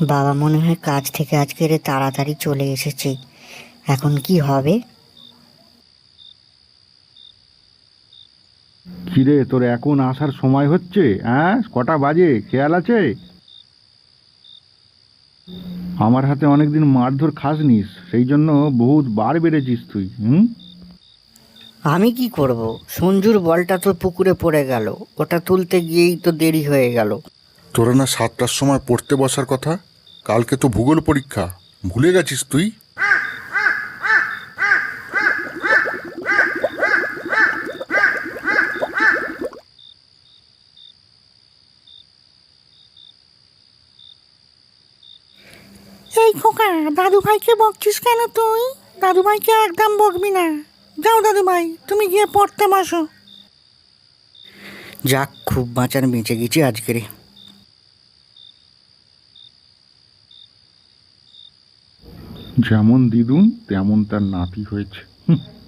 বাবা মনে হয় কাজ থেকে আজকের তাড়াতাড়ি চলে এসেছে। এখন কি হবে? কিরে, তোর এখন আসার সময় হচ্ছে? হ্যাঁ, কটা বাজে খেয়াল আছে? আমার হাতে অনেকদিন মারধর খাসনিস, সেই জন্য বহুত বার বেড়েছিস তুই। হুম। আমি কি করব? সঞ্জুর বলটা তো পুকুরে পড়ে গেল, ওটা তুলতে গিয়েই তো দেরি হয়ে গেল। তোরা না 7টার সময় পড়তে বসার কথা? কালকে তো ভূগোল পরীক্ষা, ভুলে গেছিস তুই? এই খোকা, দাদু ভাইকে বকছিস কেন তুই? দাদু ভাইকে একদম বকবি না। যাও দাদু ভাই, তুমি গিয়ে পড়তে বসো। যাক, খুব বাঁচান বেঁচে গেছি আজকের। যেমন দিদুন তেমন তার নাতি হয়েছে। হুম।